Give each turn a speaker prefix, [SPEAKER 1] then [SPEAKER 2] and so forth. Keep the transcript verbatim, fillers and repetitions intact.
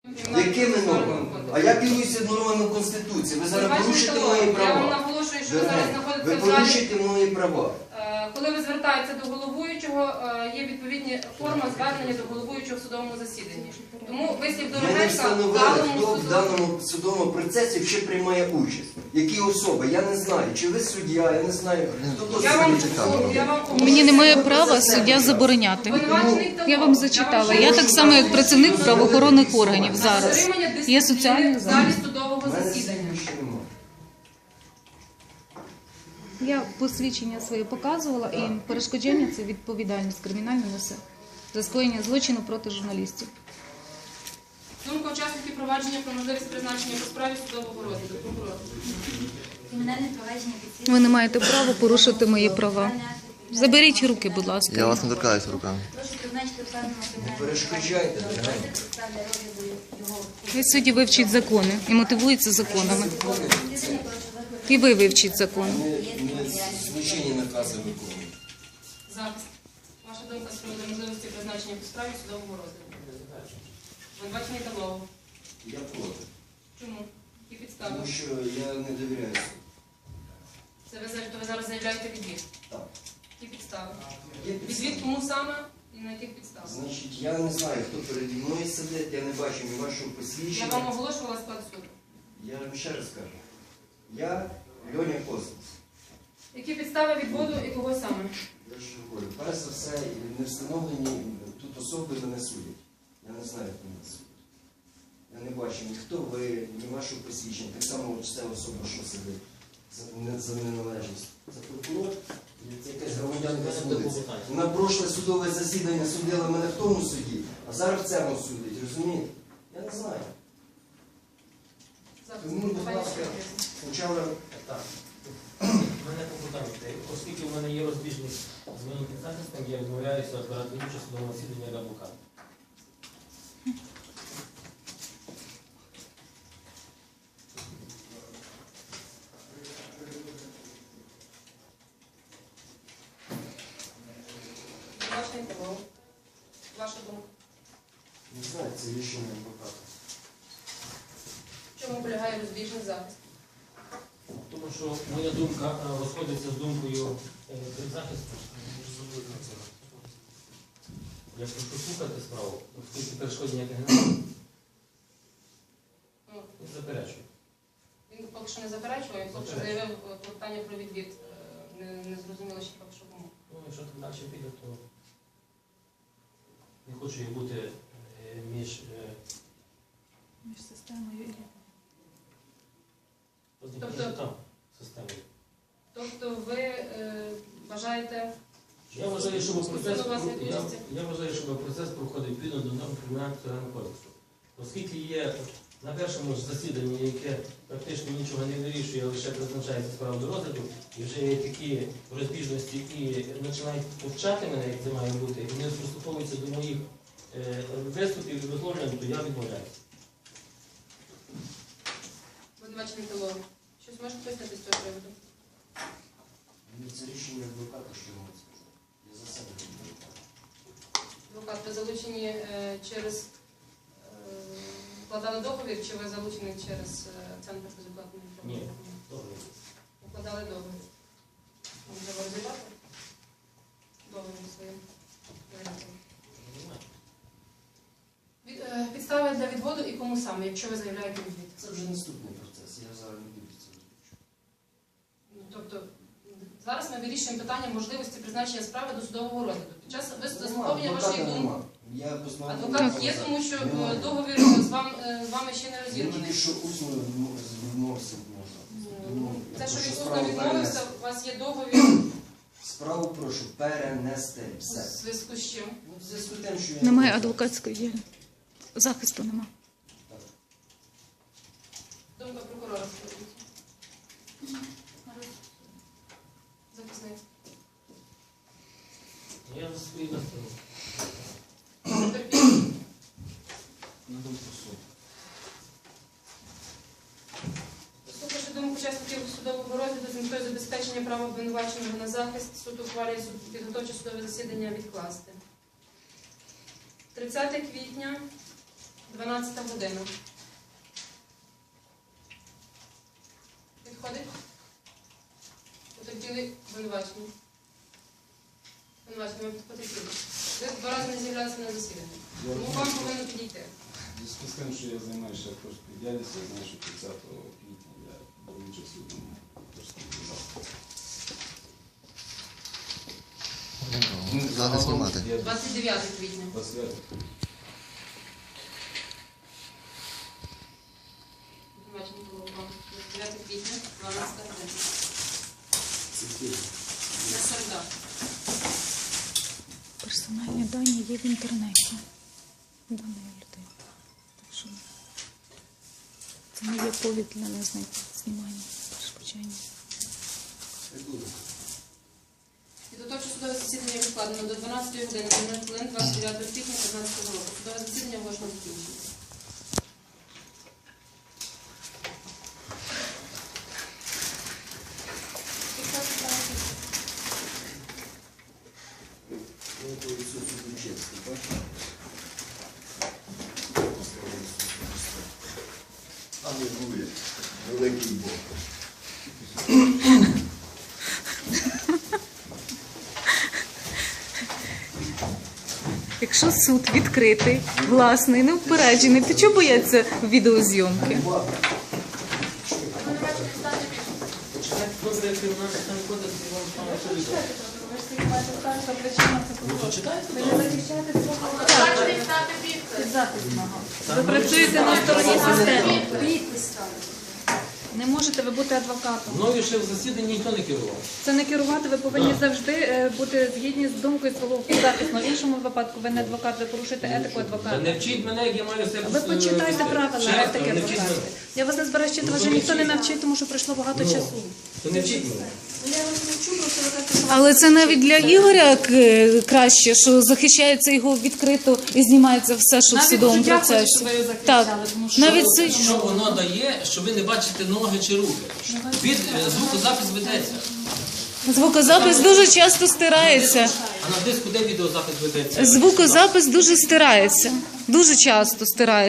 [SPEAKER 1] Якими нормами? А я керуюся нормами Конституції. Ви зараз порушите мої права.
[SPEAKER 2] Я вам наголошую, що ви зараз знаходитеся
[SPEAKER 1] Ви
[SPEAKER 2] в залі.
[SPEAKER 1] порушите мої права.
[SPEAKER 2] Коли ви звертаєтеся до головуючого, є відповідні форма звернення до головуючого в судовому засіданні. Тому вислів
[SPEAKER 1] Ми не
[SPEAKER 2] Дорогенка в
[SPEAKER 1] встановили,
[SPEAKER 2] даному
[SPEAKER 1] хто в
[SPEAKER 2] суду...
[SPEAKER 1] даному судовому процесі ще приймає участь. Які особи? Я не знаю. Чи ви суддя, я не знаю. Хто
[SPEAKER 2] Я вам,
[SPEAKER 1] суддя.
[SPEAKER 2] я вам
[SPEAKER 3] Мені немає права суддя забороняти.
[SPEAKER 2] Обвинувачений хто?
[SPEAKER 3] Я вам зачитала. Я так само, як працівник правоохоронних органів зараз.
[SPEAKER 2] Затримання
[SPEAKER 3] Є
[SPEAKER 2] дисципліни
[SPEAKER 3] соціальний
[SPEAKER 2] в залі
[SPEAKER 3] захист.
[SPEAKER 2] судового
[SPEAKER 1] У мене
[SPEAKER 2] засідання.
[SPEAKER 1] ще немає.
[SPEAKER 3] Я посвідчення своє показувала, і перешкодження – це відповідальність кримінальна несе за скоєння злочину проти журналістів.
[SPEAKER 2] Думка учасників провадження про можливість призначення по справі судового розгляду. Прокурор.
[SPEAKER 4] Кримінальне провадження підслідства.
[SPEAKER 3] Ви не маєте права порушити мої права. Заберіть руки, будь ласка.
[SPEAKER 5] Я вас не торкаюся руками.
[SPEAKER 4] Прошу призначити вказаного кримінального
[SPEAKER 1] перешкоджайте,
[SPEAKER 4] провадження
[SPEAKER 1] дорогенька.
[SPEAKER 4] підстав для розгляду його.
[SPEAKER 3] Ви судді вивчіть закони і мотивується законами. І ви вивчіть закон.
[SPEAKER 1] Ми ми злочинні накази виконуємо.
[SPEAKER 2] Захист. Ваша думка з приводу можливості призначення по справі судового розгляду. Обвинувачений Талов.
[SPEAKER 1] Я проти.
[SPEAKER 2] Чому? Які підстави?
[SPEAKER 1] Тому що я не довіряю суду.
[SPEAKER 2] Це ви, за- то ви зараз заявляєте відвід.
[SPEAKER 1] Так.
[SPEAKER 2] Які підстави?
[SPEAKER 1] Є підстави.
[SPEAKER 2] Відвід кому саме і на яких підставах?
[SPEAKER 1] Значить, я не знаю, хто переді мною сидить, я не бачу ні вашого
[SPEAKER 2] Я
[SPEAKER 1] посвідчення.
[SPEAKER 2] вам оголошувала склад суду.
[SPEAKER 1] Я вам ще раз кажу. Я Льоня Космос.
[SPEAKER 2] Які підстави відводу і кого саме?
[SPEAKER 1] Я ж говорю, перш за все, не встановлені тут особи мене судять. Я не знаю, як мене судять. Я не бачу ні хто ви, ні вашого посвідчення. Так само ця особа, що сидить за, не, за неналежність. Це прокурор, це якась громадянка судиться. Вона прошле судове засідання судила мене в тому суді, а зараз в цьому судить, розумієте? Я не знаю.
[SPEAKER 2] Захист.
[SPEAKER 1] Тому, будь
[SPEAKER 2] Пані
[SPEAKER 1] ласка,
[SPEAKER 2] Шевченко.
[SPEAKER 1] спочатку
[SPEAKER 6] Так. У мене попитання. Оскільки в мене є розбіжність з моїм підзахистом, я відмовляюся брати участь у судовому засіданні як адвокат.
[SPEAKER 2] Обвинувачений Талов. Ваша думка.
[SPEAKER 1] не знаю, це рішення адвоката.
[SPEAKER 2] В чому полягає розбіжний захист?
[SPEAKER 6] Тому що моя думка е, розходиться з думкою е, підзахисту. Я прошу слухати справу, оскільки перешкодження немає.
[SPEAKER 2] Ну,
[SPEAKER 6] Не заперечую.
[SPEAKER 2] Він поки що не заперечує, поки що
[SPEAKER 6] Заперечую.
[SPEAKER 2] заявив е, клопотання про відвід. Е, Не, не зрозуміло ще поки що кому.
[SPEAKER 6] Ну, якщо так далі піде, то не хочу я бути е, між е,
[SPEAKER 3] Між системою і...
[SPEAKER 2] Тобто-
[SPEAKER 6] там системою.
[SPEAKER 2] Тобто ви е, вважаєте,
[SPEAKER 6] Я вважаю, щоб процес,
[SPEAKER 2] суд у вас не
[SPEAKER 6] я,
[SPEAKER 2] відбудеться?
[SPEAKER 6] я вважаю, щоб процес проходив відповідно до норм Кримінального процесуального кодексу. Оскільки є на першому ж засіданні, яке практично нічого не вирішує, а лише призначається справа до розгляду, і вже є такі розбіжності і починають повчати мене, як це має бути, і вони приступовуються до моїх е, виступів і висловлювань, то я відмовляюся.
[SPEAKER 2] обвинувачений Талов, щось можете пояснити з цього приводу?
[SPEAKER 1] Ну, це рішення адвоката, що я можу сказати. Я за себе не можу.
[SPEAKER 2] Адвокат, ви залучені е, через е, вкладали договір, чи ви залучені через е, центр безоплатної
[SPEAKER 6] Ні.
[SPEAKER 2] інформації?
[SPEAKER 6] Добре.
[SPEAKER 2] Укладали договір. Вам треба розібрати договір своїм варіантом. Від, е, підстави для відводу і кому саме, якщо ви заявляєте відвід?
[SPEAKER 1] Це вже наступний процес, я зараз не буду це розповідати.
[SPEAKER 2] Ну, тобто зараз ми вирішуємо питання можливості призначення справи до судового розгляду. Під час вис- заслуховування вашої думки
[SPEAKER 1] Я позбавлений
[SPEAKER 2] адвокат
[SPEAKER 1] права
[SPEAKER 2] є,
[SPEAKER 1] зараз.
[SPEAKER 2] тому що е,
[SPEAKER 1] Немає.
[SPEAKER 2] договір з вами, з вами ще не
[SPEAKER 1] Він
[SPEAKER 2] розірваний.
[SPEAKER 1] тільки що усно відмовився можна.
[SPEAKER 2] Ну, Це, що
[SPEAKER 1] Прошу
[SPEAKER 2] він усно
[SPEAKER 1] справу
[SPEAKER 2] відмовився,
[SPEAKER 1] перенести.
[SPEAKER 2] у вас є договір
[SPEAKER 1] Справу прошу перенести.
[SPEAKER 2] у
[SPEAKER 1] Все.
[SPEAKER 2] зв'язку з чим?
[SPEAKER 1] Ну, в зв'язку з тим, що я
[SPEAKER 3] Немає
[SPEAKER 1] не
[SPEAKER 3] адвокатської діяльності. Захисту нема.
[SPEAKER 2] Думка прокурора скажіть. Захисник.
[SPEAKER 6] Я за свої висловлення.
[SPEAKER 2] Потерпілий.
[SPEAKER 1] на думку суду.
[SPEAKER 2] Слухавши думку учасників судового розгляду з метою забезпечення права обвинуваченого на захист, суд ухвалює суд- підготовче судове засідання відкласти. тридцяте квітня дванадцята година. Підходить? Потерпіли обвинувачення. Обвинувачення, ви потерпіли. Ви два рази не з'являлися на засіданні. Тому вам повинно підійти.
[SPEAKER 5] В зв'язку з тим, що я займаюся акторською діяльністю, я знаю, що тридцятого квітня я був участь у тому акторському заході.
[SPEAKER 7] Зараз знімати.
[SPEAKER 5] Я
[SPEAKER 2] двадцять дев'ятого квітня.
[SPEAKER 5] двадцять дев'ятого.
[SPEAKER 2] Обвинувачення було вам. двадцять дев'ятого квітня, дванадцята година. На середа.
[SPEAKER 3] Персональні дані є в інтернеті даної людини. Так що це не є повід для незнаних знімання, перешкоджання.
[SPEAKER 2] Підготовче судове засідання відкладено до дванадцятої години, хвилин двадцять дев'ятого квітня п'ятнадцятого року. Судове засідання можна закінчити.
[SPEAKER 1] Ну, то Ісус Чесний, бачите?
[SPEAKER 8] Алілуя. Великий Бог.
[SPEAKER 3] Якщо суд відкритий, власний, неупереджений, то чого бояться відеозйомки?
[SPEAKER 6] Добре, якщо в нас там кодекс, і вам там все відомо. Ну, то читайте, то.
[SPEAKER 3] Ви працюєте на стороні системи. Не можете ви бути адвокатом.
[SPEAKER 6] Мною ще в засіданні ніхто не керував.
[SPEAKER 3] Це не керувати, ви повинні
[SPEAKER 6] Так.
[SPEAKER 3] завжди е, бути згідні з думкою свого захисного. В іншому випадку ви не адвокат, ви порушуєте етику
[SPEAKER 6] Та
[SPEAKER 3] адвоката.
[SPEAKER 6] не вчіть мене, як я маю себе.
[SPEAKER 3] Ви почитайте
[SPEAKER 6] е,
[SPEAKER 3] правила
[SPEAKER 6] чесно,
[SPEAKER 3] етики
[SPEAKER 6] не вчіть
[SPEAKER 3] адвоката.
[SPEAKER 6] мене.
[SPEAKER 3] Я вас не збираю вчити,
[SPEAKER 6] Ну,
[SPEAKER 3] вас
[SPEAKER 6] то
[SPEAKER 3] вже
[SPEAKER 6] не
[SPEAKER 3] ніхто не
[SPEAKER 6] вчіть.
[SPEAKER 3] навчить, тому що пройшло багато
[SPEAKER 6] Ну,
[SPEAKER 3] часу.
[SPEAKER 6] То не вчіть мене.
[SPEAKER 4] Я вас не вчу, просто ви кажете, що
[SPEAKER 3] Але це навіть для Ігоря е, краще, що захищається його відкрито і знімається все, що в судовому процесі. Так, навіть це
[SPEAKER 6] Що воно дає, що ви не бачите ноги чи руки? Від е, звукозапис ведеться.
[SPEAKER 3] звукозапис дуже часто стирається.
[SPEAKER 6] А на диску де відеозапис ведеться?
[SPEAKER 3] Звукозапис дуже стирається. Дуже часто стирається.